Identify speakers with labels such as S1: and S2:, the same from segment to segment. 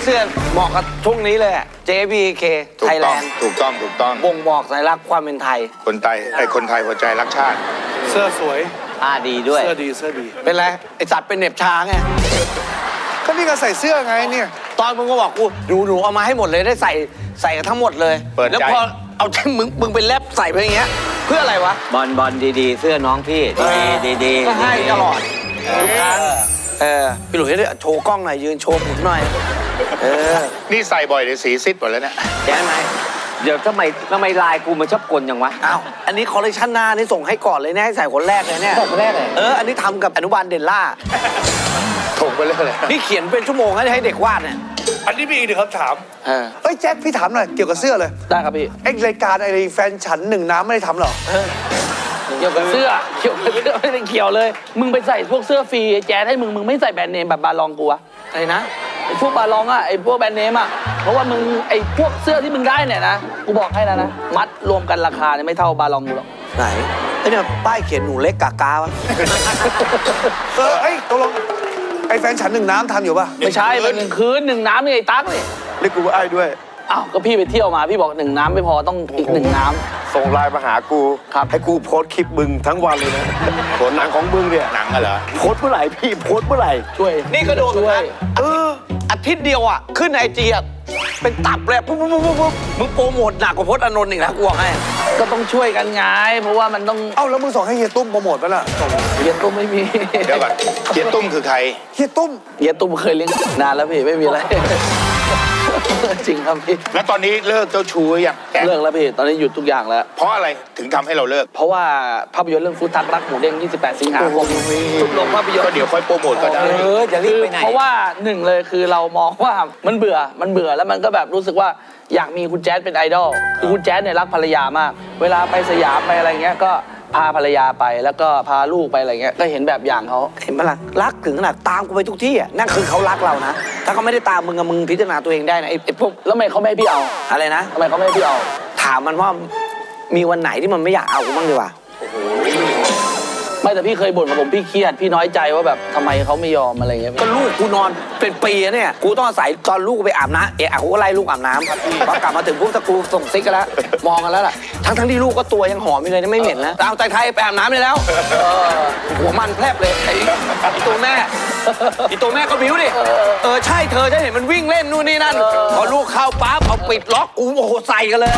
S1: สื้อเหมาะกับช่วงนี้เลย JBK ไทยแลนด์
S2: ถูกต้อง
S1: บ่งบอกสัญลักษณ์ความเป็นไทย
S2: คนไทยหัวใจรักชาติ
S3: เสื้อสวย
S4: ดีด้วย
S3: เสื้อดี
S1: เป็นไรไอสัตว์เป็นเหน็บช้างไง
S3: ก็นี่ก็ใส่เสื้อไงเนี่ย
S1: ตอนมึงก็บอกกูหนูเอามาให้หมดเลยได้ใส่กันทั้งหมดเลยแล้วพอเอาที่มึงเป็นแรปใส่ไปอย่างเงี้ยเพื่ออะไรวะ
S4: บอลดีๆเสื้อน้องพี่ดี
S1: ก็ให้ตลอดทุกครั้งพี่หลุยส์โชว์กล้องหน่อยยืนโชว์ผมหน่อย
S2: นี่ใส่บ่อยเลยสีซิดหมดแล้วเนี่ย
S1: แย่ไหม
S4: เดี๋ยวทำไมลายกูมันชอบกลอย่างวะ
S1: อ้าวอันนี้คอลเลคชันหน้านี่ส่งให้ก่อนเลยเนี่ยให้ใส่คนแรกเลยเนี่ย
S4: คนแรกเลย
S1: อันนี้ทำกับอนุบาลเดลล่า
S2: ถูกไปเลย
S1: นี่เขียนเป็นชั่วโมงให้เด็กวาดเนี่ย
S3: อันนี้มีอีกหนึ่งคำถาม
S1: เฮ้
S3: ยแจ็คพี่ถามหน่อยเกี่ยวกับเสื้อเลย
S1: ได้ครับพี่
S3: รายการแฟนฉันหนึ่งน้ำไม่ได้ทำหรอ
S5: เกี่ยวกับเสื้อไม่ได้เกี่ยวเลยมึงไปใส่พวกเสื้อฟรีแจ๊ดให้มึงไม่ใส่แบรนด์เนมแบบบาลองกูวะ
S1: อะไรนะ
S5: พวกบาลองไอ้พวกแบรนด์เนมเพราะว่ามึงไอ้พวกเสื้อที่มึงได้เนี่ยนะกูบอกให้นะมัดรวมกันราคาเนี่ยไม่เท่าบาลองกูหรอก
S1: ไหนเนี่ยป้ายเขียนหนูเล็กกากาวะ
S3: ตกลงแฟนฉันหนึ่งน้ำทำอยู่ป่ะ
S5: ไม่ใช่เป็น1 คืน 1 น้ำนี่ไอ้ตั๊กนี่
S3: เรียกกูว่าไอ้ด้วย
S5: อ้าวก็พี่ไปเที่ยวมาพี่บอก1 น้ำไม่พอต้องอีก1 น้ำ
S3: ส่งไลน์มาหากู
S5: ครับ
S3: ให้กูโพสคลิปมึงทั้งวันเลยนะโพสหนังของมึงเนี่ย
S2: หนังเหรอ
S3: โพสเมื่อไหร่พี่โพสเมื่อไหร่
S5: ช่วย
S1: นี่ก็โดน
S5: ช่วย
S1: อาทิตย์เดียวขึ้นไอจีเป็นตับเลยปุ๊บมึงโปรโมทหนักกว่าพจน์อานนท์อีกนะกูบอกให้
S5: ก็ต้องช่วยกันไงเพราะว่ามันต้อง
S3: แล้วมึงส่งให้เฮียตุ้มโปรโมทป่ะล่ะ
S5: เฮียตุ้มไม่มี
S2: เดี๋ยวก่อนเฮียตุ้มคือใคร
S3: เฮียตุ้
S5: มเคยเลี้ยงนานแล้วพี่ไม่มีอะไรจริงครับพี่
S2: แล้วตอนนี้เลิกเจ้าชู้ยัง
S5: เลิกแล้วพี่ตอนนี้หยุดทุกอย่างแล้ว
S2: เพราะอะไรถึงทำให้เราเลิก
S5: เพราะว่าภาพยนตร์เรื่องฟุตทักรักหมูเด้ง28 สิงหาคมทุกโรงภาพยนตร์
S2: ก็เดี๋ยวค่อยโปรโมทก็ได้
S1: จะรีบไปไหน
S5: เพราะว่า1เลยคือเรามองว่ามันเบื่อแล้วมันก็แบบรู้สึกว่าอยากมีคุณแจ๊ดเป็นไอดอลคือคุณแจ๊ดเนี่ยรักภรรยามากเวลาไปสยามไปอะไรเงี้ยก็พาภรรยาไปแล้วก็พาลูกไปอะไรเงี้ยก็เห็นแบบอย่างเขา
S1: เห็นปะล่ะรักถึงขนาดตามกูไปทุกที่นั่นคือเขารักเรานะถ้าเขาไม่ได้ตามมึงพิจารณาตัวเองได้นะไอ้พวก
S5: แล้วทำไมเขาไม่ให้พี่เอา
S1: อะไรนะ
S5: ทำไมเขาไม่ให้พี่เอา
S1: ถามมันว่ามีวันไหนที่มันไม่อยากเอากูบ้างดีกว่า
S5: ไม่แต่พี่เคยบ่นกับผมพี่เครียดพี่น้อยใจว่าแบบทำไมเขาไม่ยอมอะไรเงี้ย
S1: ก็ลูกกูนอนเป็นปีเนี่ยกูต้องอาศัยตอนลูกไปอาบน้ำกูก็ไล่ลูกอาบน้ำพอกลับมาถึงปุ๊บตะกูส่งซิกกันแล้วมองกันแล้วล่ะทั้งที่ลูกก็ตัวยังหอมอยู่เลยไม่เหม็นนะเอาใจไทยไปอาบน้ำเลยแล้วหัวมันแพรบเลยไอ้ตัวแม่ก็บิ้วดิใช่เธอจะเห็นมันวิ่งเล่นนู่นนี่นั่นพอลูกเข้าปั๊บเอาปิดล็อกกูโอ้โหใส่กันเลย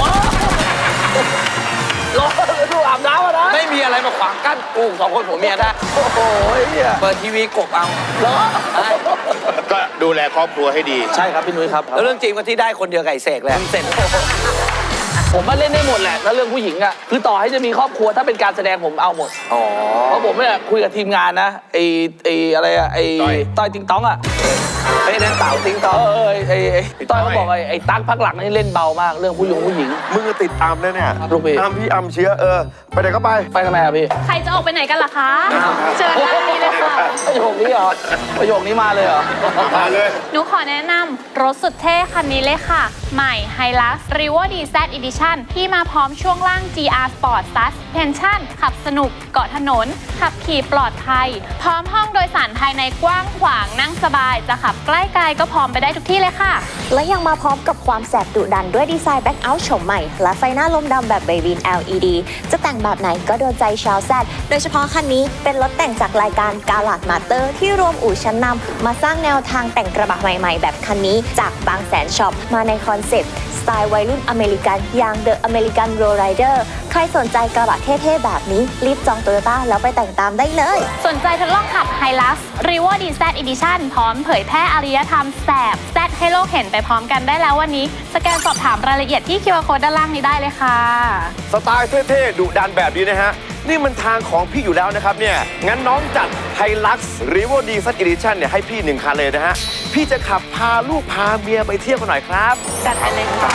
S5: รอดูอาบน้ำนะ
S1: ไม่มีอะไรมาขวางกั้นกู2 คนผัวเมียได้
S5: โอ้โห
S1: เปิดทีวีกบเอา
S2: ก็ดูแลครอบครัวให้ดี
S5: ใช่ครับพี่นุ้ยครับ
S1: แล้วเรื่องจริงว่าที่ได้คนเดียวไก่เสกแหละเสร็จ
S5: ผมมาเล่นได้หมดแหละแล้วเรื่องผู้หญิงคือต่อให้จะมีครอบครัวถ้าเป็นการแสดงผมเอาหมดเพราะผมเนี่ยคุยกับทีมงานนะไอ้อะไรต้อยติงตอง
S1: ไอ้นั่นเต่าติงตอง
S5: ไอ้ต้อยเขาบอกไอ้ตั๊กพักหลังนี่เล่นเบามากเรื่องผู้หญิง
S3: มึงติดตามเลยเนี่ย
S5: ลูกพี่
S3: อัมเชียไปไหนก็ไป
S5: ทำไมพี่
S6: ใครจะออกไปไหนกันล่ะคะเชิญได้เลยค่ะ
S5: ประโยคนี้เหรอประโยคนี้มาเลยเหรอ
S2: มาเลย
S6: หนูขอแนะนำรถสุดเท่คันนี้เลยค่ะใหม่ Hilux Revo DZ Edition ที่มาพร้อมช่วงล่าง GR Sport Suspension ขับสนุกเกาะถนนขับขี่ปลอดภัยพร้อมห้องโดยสารภายในกว้างขวางนั่งสบายจะขับใกล้ไกลก็พร้อมไปได้ทุกที่เลยค่ะ
S7: และยังมาพร้อมกับความแสบดุดันด้วยดีไซน์แบ็คเอาท์โฉมใหม่และไฟหน้าลมดำแบบเบบีน LED จะแต่งแบบไหนก็โดนใจชาวแซดโดยเฉพาะคันนี้เป็นรถแต่งจากรายการกาลาดมาสเตอร์ที่รวมอู่ชั้นนำมาสร้างแนวทางแต่งกระบะใหม่ๆแบบคันนี้จากบางแสนช็อปมาในคอนเซ็ปต์สไตล์วัยรุ่นอเมริกันอย่าง The American Lowrider ใครสนใจกระบะเท่ๆแบบนี้รีบจองโตโยต้าแล้วไปแต่งตามได้เลย
S6: สนใจทดลองขับ Hilux Revo DZ Edition พร้อมเผยแพร่อารยธรรมแสบแซดให้โลกเห็นไปพร้อมกันได้แล้ววันนี้สแกนสอบถามรายละเอียดที่ QR Code ด้านล่างนี้ได้เลยค่ะ
S3: สไตล์เท่ๆดุดันแบบนี้นะฮะนี่มันทางของพี่อยู่แล้วนะครับเนี่ยงั้นน้องจัด Hilux Revo DZ Edition เนี่ยให้พี่1 คันเลยนะฮะพี่จะขับพาลูกพาเมียไปเที่ยวกันหน่อยครับ
S6: จัดไปเลยค่ะ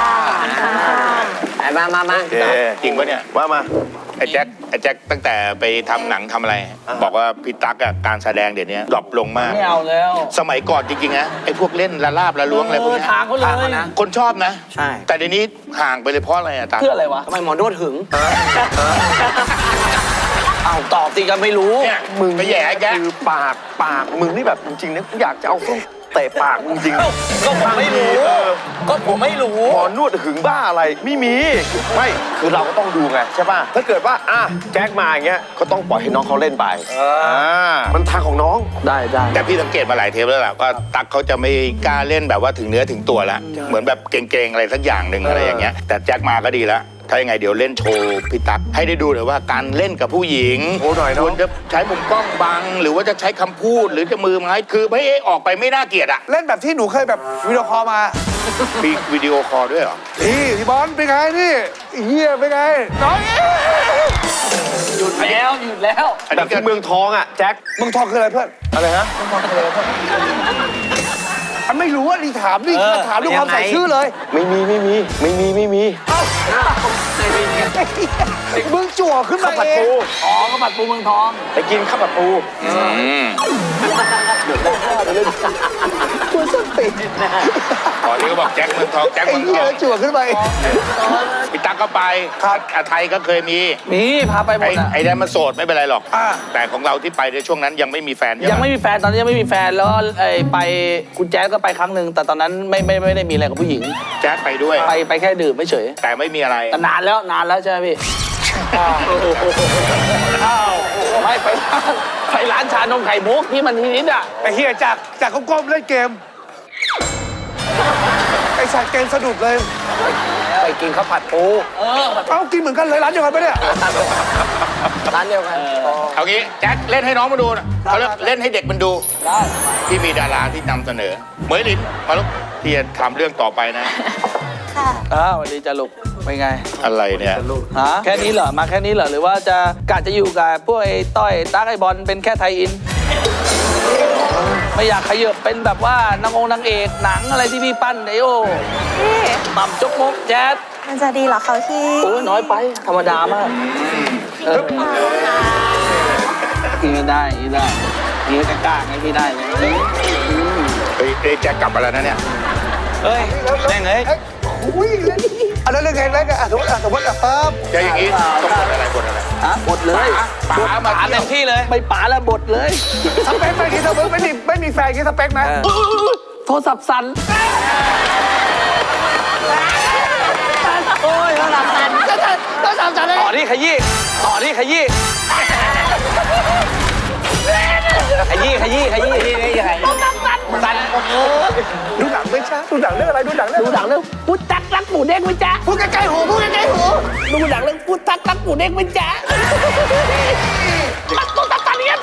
S4: มา
S2: จริงปะเนี่ย
S3: ว่ามา
S2: ไอ้แจ็คตั้งแต่ไปทำหนังทำอะไรบอกว่าพี่ตั๊กการแสดงเดี๋ยวนี้ดรอปลงมาก
S5: ไม่เอาแล้ว
S2: สมัยก่อนจริงๆนะไอ้พวกเล่นละลาบละล้วงอะไรพวกนี้
S5: ทางเขาเลย
S1: นะ
S2: คนชอบนะ
S1: ใช่
S2: แต่เดี๋ยวนี้ห่างไปเลยเพราะอะไรตั๊ก
S5: เพื่ออะไรวะ
S1: ทำไมหมอนวดหึงเอาตอบสิก็ไม่รู้
S2: มึง
S3: ไปแย่แกคือปากมึงนี่แบบจริงๆนะอยากจะเอาส้มเตะปากมึงจริง
S1: ก็ผมไม่รู้ ก็ผมไม่รู้
S3: หมอนวดหึงบ้าอะไรไม่มีไม่คือเราก็ต้องดูไงใช่ป่ะถ้าเกิดว่าแจ็คมาอย่างเงี้ยก็ต้องปล่อยให้น้องเขาเล่นไปมันทางของน้อง
S5: ได้
S2: แต่พี่สังเกตมาหลายเทปแล้วล่ะว่าตั๊กเขาจะไม่กล้าเล่นแบบว่าถึงเนื้อถึงตัวแล้วเหมือนแบบเก่งๆอะไรสักอย่างหนึ่งอะไรอย่างเงี้ยแต่แจ็คมาก็ดีแล้วถ้ายังไงเดี๋ยวเล่นโชว์พี่ตั๊กให้ได้ดูเลยว่าการเล่นกับผู้หญิง
S3: โอ้หน่อยเนอะ
S2: ควรจะใช้มุมกล้องบัง หรือว่าจะใช้คำพูดหรือจะมือไม้คือไม่ให้ออกไปไม่น่าเกลียดอะ
S8: เล่นแบบที่หนูเคยแบบวิดีโอคอลมา
S2: มีวิดีโอคอลด้วยเหรอ
S8: พี่บอลเป็นไงนี่เฮียเป็นไงน้อย
S5: หยุดแล้วหยุดแล้ว
S2: อัน
S3: แบ
S2: นี้
S3: บ
S2: ก็
S3: ที่เมืองทองอ่ะแจ็ค
S8: มึงทองคืออะไรเพื่อน
S3: อะไรฮะ
S8: อันไม่รู้อ่ะนี่ถามนี่ถามด้วยความใส่ชื่อเลย
S3: ไม่มี
S8: มึงจั่วขึ้น
S3: ข้า
S8: มาว
S3: ผัด
S8: เอง
S3: ปู
S5: อ๋อก็บัตรปูเมืองทอง
S3: ไปกินข้าวผัดปู
S2: ตอนนี้ก็บอกแจ็คเมืองทองแจ็ค
S8: ไอ้
S2: เมือง
S8: เหี้
S2: ท
S8: ย
S2: อง
S8: จั่วขึ้นมาเอง
S2: พี่ตั๊กก็ไปอาไทยก็เคยมี
S5: มีพาไปหมดอ่ะ
S2: ไอ้นั่นมันโสดไม่เป็นไรหรอกแต่ของเราที่ไปในช่วงนั้นยังไม่มีแฟนใช่
S5: ยัง
S2: ไหม
S5: ไม่มีแฟนตอนนี้ยังไม่มีแฟนแล้วไปคุณแจ๊สก็ไปครั้งหนึ่งแต่ตอนนั้นไม่ได้มีอะไรกับผู้หญิง
S2: แจ็คไปด้วย
S5: ไปแค่ดื่มไม่เฉย
S2: แต่ไม่มีอะไร
S5: แต่นานแล้วใช่ไหมพี่ไปร้านชานมไข่มุกที่มันทีนิดอ่ะ
S8: ไอ้เฮียจากก้มๆเล่นเกมไอ้สัตว์เกมสะดุดเลย
S1: ไปกินข้าวผัดปู
S8: เอ้ากินเหมือนกันเลยร้านเดียวกันปะเนี่ย
S1: ร้านเดียวกัน
S2: เอางี้แจ็คเล่นให้น้องมาดูนะเขาเล่นให้เด็กมันดูที่มีดาราที่นำเสนอเหมยหลินมาลูกที่จะทำเรื่องต่อไปนะ
S5: สวัสดีจ้าลูกเป็นไง
S2: อะไรเนี่ย
S5: ฮะแค่นี้เหรอมาแค่นี้เหรอหรือว่าจะกะจะอยู่กับพวกไอ้ต้อยตั๊กไอ้บอลเป็นแค่ไทยอิน ไม่อยากขยับเป็นแบบว่านางเอกหนังอะไรที่พี่ปั้นไอโอ
S7: พี่
S5: หม่ำจกมกแจ๊ด
S7: มันจะดีเหรอคะพี่
S5: โอ้ยน้อยไปธรรมดามากกินไม่ได้กินได้นี่ก็กล้าไงพี่ได้เลย
S2: เฮ้ยแจ็คกลับมาแล้วนะเนี่ย
S5: เฮ้ยแม่งเอ้ย
S8: อุ้ยเล่นอันนั้นเรื่องไงเล่นกันสมมติปั๊บ
S2: จะอย่างนี้ต้องบทอะไรบทอะไร
S5: ฮะบดเลย
S2: ป๋ามา
S5: ป๋า
S2: เที่
S5: เต็
S2: ยว
S5: มที่เลยไม่ป๋าแล้วบดเลย
S8: สเปคไหมที่สเปคไม่มีแฟนที่สเปคไหม
S5: โทรศัพท์สั่นโอ้ยโทรศัพท์สั่นต่อที่ขยี้ขยี้ขยี้สั่น
S8: ดูหนังไม่ใช่ดูหนังเรื่องอะไรดูหนังเรื่อง
S5: พุทธักรักหมูเด้งไหมจ๊ะ
S8: พูดใกล้ๆหูพูดใกล้ๆหู
S5: ดูหนังเรื่องพุทธักรักหมูเด้งไหมจ๊ะตัวตักกันเนี่ย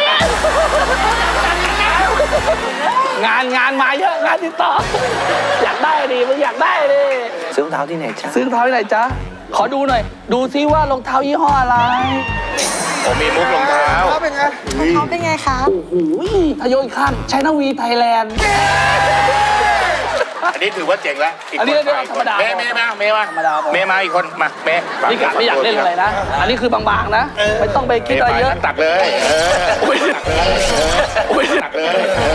S5: งานมาเยอะงานติดต่ออยากได้ดิมึงอยากได้ดิ
S1: ซื้อรองเท้าที่ไหนจ้า
S5: ซื้อรองเท้าที่ไหนจ๊ะขอดูหน่อยดูซิว่ารองเท้ายี่ห้ออะไร
S2: ผมมีมุกรองเท้า
S8: เขาเป็นไง
S7: เขาเป็นไงคะ
S5: โอ้โหทะโยนข้ามไชน่าวีไทยแลนด์
S2: อันนี้ถือว่าเจ๋งแล้วอีก
S5: อันนี้
S2: คน
S5: ธรรมดา
S2: เมย์มาอีกคนมาเมย์
S5: นี่กะไม่อยากเล่นอะไรนะ อันนี้คือบางๆนะ ไม่ต้องไปคิดอะไรเยอะ
S2: ตักเลยตักเลย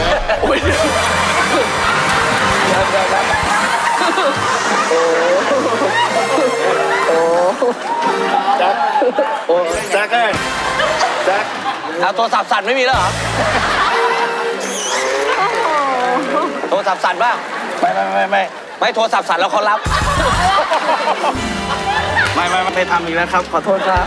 S3: แจ็คเลยแจ็ค
S1: เอาโทรศัพท์สั่นไม่มีแล้วเหรอโทรศัพท์สั่นบ้าง ไม่โทรศัพท์สั่นแล้วเขารับ
S5: ไม่ทำอีกแล้วครับ ขอโทษครับ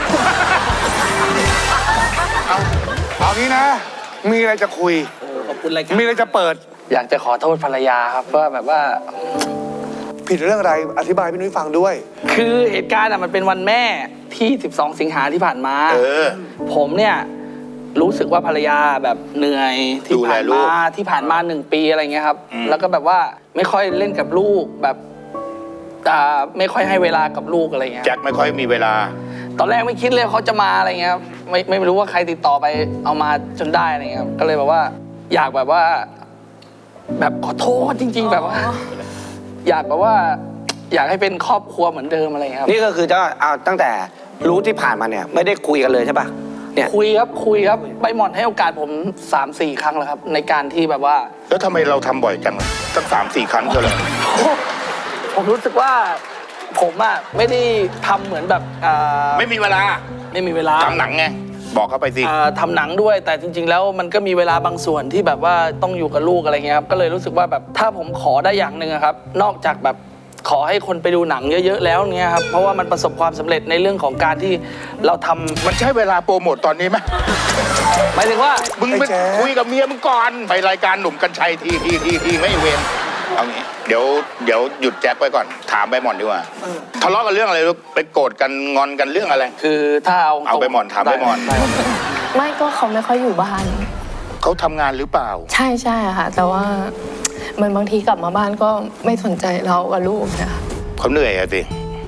S8: เอางี้นะ มีอะไรจะคุย
S5: ขอบคุณรายการ
S8: มีอะไรจะเปิด
S5: อยากจะขอโทษภรรยาครับว่าแบบว่า
S8: ผิดเรื่องอะไรอธิบายพี่นุ้ยฟังด้วย
S5: คือเหตุการณ์มันเป็นวันแม่ที่ 12 สิงหาที่ผ่านมา ผมเนี่ยรู้สึกว่าภรรยาแบบเหนื่อยที่ผ่านมา1 ปีอะไรเงี้ยครับ แล้วก็แบบว่าไม่ค่อยเล่นกับลูกแบบไม่ค่อยให้เวลากับลูกอะไรเงี้ย
S2: แจ็คไม่ค่อยมีเวลา
S5: ตอนแรกไม่คิดเลยเขาจะมาอะไรเงี้ยครับไม่รู้ว่าใครติดต่อไปเอามาจนได้อะไรเงี้ยครับก็เลยแบบว่าอยากแบบว่า แบบขอโทษจริง ๆ แบบว่า อยากแบบว่า อยากให้เป็นครอบครัวเหมือนเดิมอะไรเงี้ยครับ
S1: นี่ก็คือจะเอาตั้งแต่รู้ที่ผ่านมาเนี่ยไม่ได้คุยกันเลยใช่ปะเนี่ย
S5: คุยครับใบหมอนให้โอกาสผม 3-4 ครั้งแล้วครับ ในการที่แบบว่า
S2: แล้วทำไมเราทำบ่อยจังตั้ง3-4 ครั้งเท่าไหร่
S5: ผมรู้สึกว่าผมอะไม่ได้ทำเหมือนแบบ
S2: ไม่มีเวลา
S5: ไม่มีเวลา
S2: ทำหนังไงบอกเขาไปสิ
S5: ทำหนังด้วยแต่จริง ๆ แล้วมันก็มีเวลาบางส่วนที่แบบว่าต้องอยู่กับลูกอะไรเงี้ยครับก็เลยรู้สึกว่าแบบถ้าผมขอได้อย่างหนึ่งอะครับนอกจากแบบขอให้คนไปดูหนังเยอะๆแล้วเงี้ยครับเพราะว่ามันประสบความสำเร็จในเรื่องของการที่เราทำ
S2: มันใช่เวลาโปรโมทตอนนี้ไหม
S5: หมายถึงว่า
S2: มึงไปคุยกับเมียมึงก่อนไปรายการหนุ่มกัญชัยทีไม่เวรเอางี้เดี๋ยวหยุดแจ็คไว้ก่อนถามใบหม่อนดีกว่าทะเลาะกันเรื่องอะไรลูกไปโกรธกันงอนกันเรื่องอะไร
S5: คือถ้าเอา
S2: ไปหม่อนถามไปหม่อน
S5: ด้
S9: ไม่ก็เขาไม่ค่อยอยู่บ้าน
S2: เขาทำงานหรือเปล่า
S9: ใช่ใช่ค่ะ แต่ว่ามันบางทีกลับมาบ้านก็ไม่สนใจเรากับลูกนะคะ
S2: เขาเหนื่อยอะสิ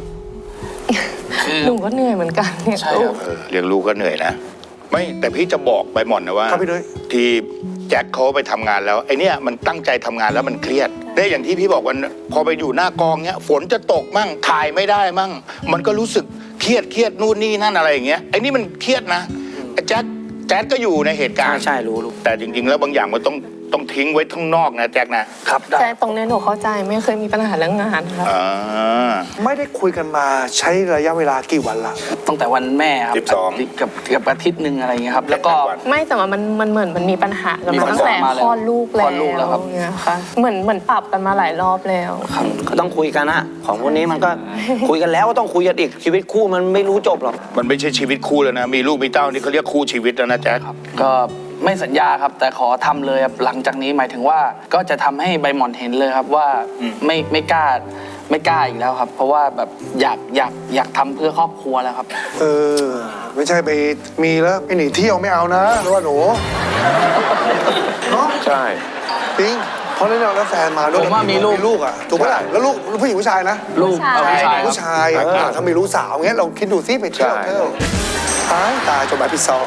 S9: หนูก็เหนื่อยเหมือนกันเนี่ย
S5: ใช่ครับ
S2: เลี้ยงลูกก็เหนื่อยนะไม่แต่พี่จะบอกใบหม่อนนะว่า
S8: ครับพี่นุ้ย
S2: ที่แจ็คเขาไปทำงานแล้วไอเนี้ยมันตั้งใจทำงานแล้วมันเครียดได้อย่างที่พี่บอกวันพอไปอยู่หน้ากองเนี้ยฝนจะตกมั่งถ่ายไม่ได้มั่งมันก็รู้สึกเครียดนู่นนี่นั่นอะไรอย่างเงี้ยไอ้นี่มันเครียดนะไอ้แจ็คก็อยู่ในเหตุการณ์
S1: ใช่รู้
S2: แต่จริงๆแล้วบางอย่างมันต้องทิ้งไว้ข้างนอกนะแจ็คนะครับ
S5: ได้
S9: แต่ตรงนี้หนูเข้าใจไม่เคยมีปัญหาเรื่องงานค่ะ
S2: อ่า
S8: ไม่ได้คุยกันมาใช้ระยะเวลากี่วันละ
S5: ตั้งแต่วันแม่ครับ
S2: 12
S5: กับอาทิตย์หนึ่งอะไรเงี้ยครับแล้วก็
S9: ไม่แต่ว่ามันเหมือนมันมีปัญหากัน
S5: มี
S9: มา
S5: ปัญหา
S9: ตั้งแต่
S5: มาแล้ว
S9: คลอดลูก
S5: คลอดลูกแล้วครับ
S9: เนี่ยค่ะเหมือนปรับกันมาหลายรอบแล้ว
S1: ก็ต้องคุยกันนะของพวกนี้มันก็ คุยกันแล้วก็ต้องคุยกันอีกชีวิตคู่มันไม่รู้จบหรอก
S2: มันไม่ใช่ชีวิตคู่แล้วนะมีลูกมีเต้านี่เขาเรียกคู่ชีวิตแล้วนะแจ็ค
S5: ก็ไม่สัญญาครับแต่ขอทำเลยครับหลังจากนี้หมายถึงว่าก็จะทำให้ใบหม่อนเห็นเลยครับว่าไม่กล้าอีกแล้วครับ เพราะว่าแบบอยากทำเพื่อครอบครัวแล้วครับ
S8: ไม่ใช่ไปมีแล้วไปหนีเที่ยวไม่เอานะหรือว่าหนูเนาะ
S3: ใช่
S8: จริงเพราะนั่นแล้วแฟนมาด้วย
S5: ผมว่ามีลูก
S8: อ่ะถูกปะล่ะแล้วลูกผู้หญิงผู้ชายนะ
S5: ลูกเอาผู้ชายครับ
S8: ผู้ชายถ้ามีลูกสาวเงี้ยเราคิดดูซิไปเที่ยวตายจบแบบพี่ซอง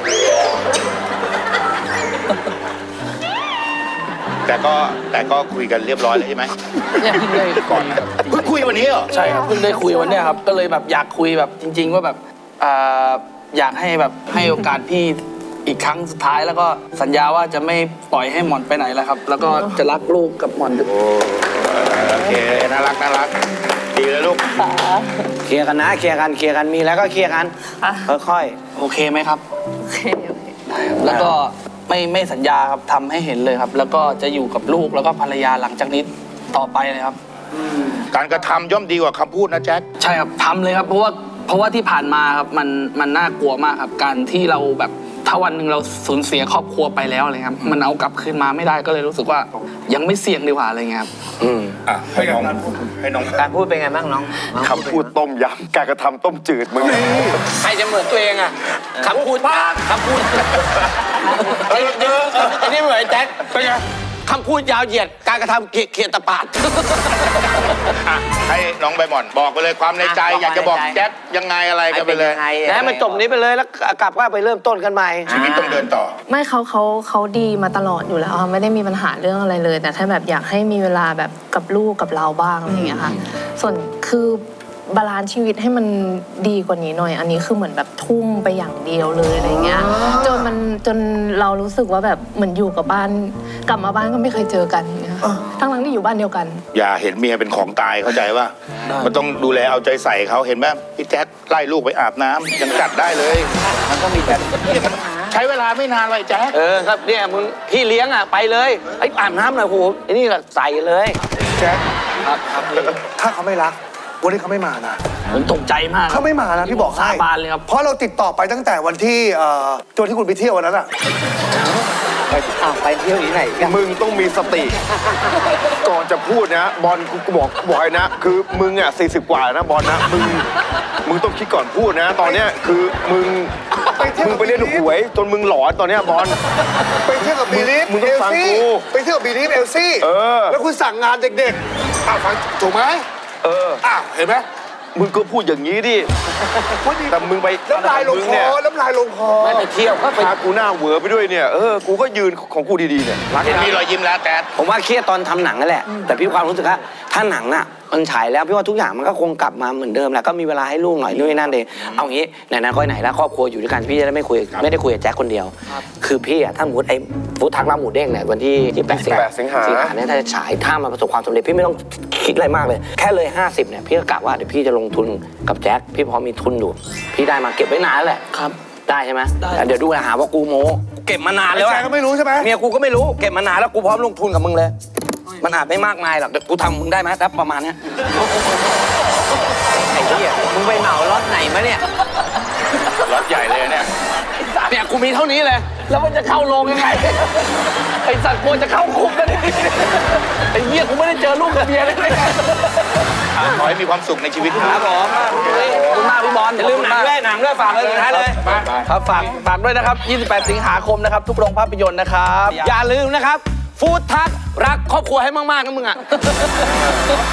S2: แต่ก็คุยกันเรียบร้อยแล้วใช่ไหม
S5: เนี่ยเพิ่งได้ก่อนครับ
S2: เพิ่งคุยวันนี้เหรอ
S5: ใช่ครับเพิ่งได้คุยวันเนี้ยครับก็เลยแบบอยากคุยแบบจริง ๆ ว่าแบบอยากให้แบบให้โอกาสพี่อีกครั้งสุดท้ายแล้วก็สัญญาว่าจะไม่ปล่อยให้หม่อนไปไหนแล้วครับ แล้วก็จะรักลูกกับหม่อน
S2: โอเคน่ารักดีเลยลูก
S1: เคลียร์กันนะเคลียร์กันมีแล้วก็เคลียร์กันค่อย
S5: โอเคไหมครับ
S9: โอเค
S5: แล้วก็ไม่สัญญาครับทำให้เห็นเลยครับ แล้วก็จะอยู่กับลูกแล้วก็ภรรยาหลังจากนี้ต่อไปเลยครับ
S2: การกระทำย่อมดีกว่าคำพูดนะแจ็ค
S5: ใช่ครับทำเลยครับเพราะว่าที่ผ่านมาครับมันน่ากลัวมากครับการที่เราแบบถ้าวันหนึ่งเราสูญเสียครอบครัวไปแล้วอะไรครับมันเอากลับคืนมาไม่ได้ก็เลยรู้สึกว่ายังไม่เสี่ยงดีกว่าอะไรเงี้ยครับ
S2: ให้น้อง
S4: การพูดเป็นไงบ้างน้อง
S3: คำพูดต้มยำการกระทำต้มจืดมึง
S1: ใครจะเหมือนตัวเองอ่ะคำพูดอันนี้เหมือนแจ็คเป็นไงคำพูดยาวเหยียดการกระทำเขียดตะปาด
S2: ให้น้องใบหม่อนบอกไปเลยความในใจอยากจะบอกแจ็คยังไงอะไรกันไปเลย
S1: แล้วมันจบนี้ไปเลยแล้วกลับก็ไปเริ่มต้นกันใหม่
S2: ชีวิตต้องเดินต่อ
S9: ไม่เขาดีมาตลอดอยู่แล้วค่ะไม่ได้มีปัญหาเรื่องอะไรเลย แต่ถ้าแบบอยากให้มีเวลาแบบกับลูกกับเราบ้างอะไรอย่างเงี้ยค่ะส่วนคือบาลานซ์ชีวิตให้มันดีกว่านี้หน่อย อันนี้คือเหมือนแบบทุ่มไปอย่างเดียวเลยอะไรเงี้ยจนเรารู้สึกว่าแบบเหมือนอยู่กับบ้านกลับมาบ้านก็ไม่เคยเจอกันอย่างเงี้ยทั้งที่อยู่บ้านเดียวกัน
S2: อย่าเห็นเมียเป็นของตายเข้าใจว่ามันต้องดูแลเอาใจใส่เขาเห็นไหมพี่แจ็คไล่ลูกไปอาบน้ำยังจัดได้เลย
S1: มันก็มีแต่
S2: ใช้เวลาไม่นานเลยแจ็ค
S1: ครับเนี่ยมึงพี่เลี้ยงอ่ะไปเลยไอ้อาบน้ำหน่อยโหไอ้นี่แหละใส่เลย
S8: แจ็ค
S1: ครับ
S8: ถ้าเขาไม่รักวันนี้เขาไม่มานะ
S5: ผมตกใจมาก
S8: เขาไม่มานะพี่บอกให้
S5: สาบานเลยครับ
S8: เพราะเราติดต่อไปตั้งแต่วันที่ตัวที่คุณไปเที่ยววันนั้นอ่ะ
S1: ไปเที่ยวที่ไหนกัน
S3: มึงต้องมีสติ ก่อนจะพูดนะบอลกูบอกเลยนะ คือมึงอ่ะ40 กว่านะบอลนะมึงต้องคิดก่อนพูดนะ ตอนเนี้ยคือมึงไปเล่นหวยจนมึงหลอนตอนเนี้ยบอล
S8: ไปเที่ยวกับบีลีฟ
S3: มึงต้องฟังกู
S8: ไปเที่ยวกับบีลีฟเอลซี่ แล้วคุณสั่งงานเด็กๆฟังถูกไหมเห็นไหม
S3: มึงก็พูดอย่างนี้ดิแต่มึงไป
S8: น้ำลายลงคอน้ำลายลงคอ
S1: ไม่ไปเที่ยวก็ไป
S3: พากูหน้าเหวอไปด้วยเนี่ยกูก็ยืนของกูดีๆเนี่ย
S2: เห็นมีรอยยิ้มแล้วแต่
S1: ผมว่าเครียดตอนทำหนังนั่นแหละ แต่พี่ความรู้สึกว่าถ้าหนังอ่ะมันฉายแล้วพี่ว่าทุกอย่างมันก็คงกลับมาเหมือนเดิมแหละก็มีเวลาให้ลูกหน่อยนู่นนนั่นเองเอางี้ไหนๆก็ไหนแล้วครอบครัวอยู่ด้วยกันพี่จะได้ไม่ได้คุยกับแจ็คคนเดียว คือพี่อ่ะถ้าสมมติไอ้ฟู้ดทักร้านหมูเด้งเนี่ยวันที่8 สิงหาเนี่ยถ้าจะฉายถ้ามันประสบความสำเร็จพี่ไม่ต้องคิดอะไรมากเลยแค่เลย50เนี่ยพี่ก็กะว่าเดี๋ยวพี่จะลงทุนกับแจ็คพี่พอมีทุนอยู่พี่ได้มาเก็บไว้นานแหละ
S5: ครับ
S1: ได้ใช่ไหมเดี๋ยวดูนะหาว่ากูโม้เก็บมานาน
S8: ไอ้
S1: แล้ว
S8: แจ
S1: อะ
S8: ก็ไม่รู้ใช่ไหม
S1: เมียกูก็ไม่รู้เก็บมานานแล้วกูพร้อมลงทุนกับมึงเลย มันอาจไม่มากมายหรอกเดี๋ยวกูทำมึงได้ไหมถ้าประมาณเนี้ย
S4: ไอ้เหี้ยมึงไปเหมารถไหนมาเนี่ย
S2: รถใหญ่เลยเนี่ย
S1: เนี่ยกูมีเท่านี้เลย
S5: แล้วมันจะเข้าโรงยังไง ไอสัตว์กลัวจะเข้าคุกกันดิไอ้เหี้ยกูไม่ได้เจอลูกกับเมียเลย
S2: ขอให้มีความสุขในชีวิตค
S1: ค
S2: รั
S1: รั
S2: บบ
S1: ผมขอบคุณมากพี่บอล
S5: อย่าลืมหนังด้วยฝากเลยสุดท้ายเลย ครับฝากด้วยนะครับ 28 สิงหาคมนะครับ ทุกโรงภาพยนตร์นะครับ
S1: อย่าลืมนะครับฟู้ดทักรักครอบครัวให้มากๆนะมึงอ่ะ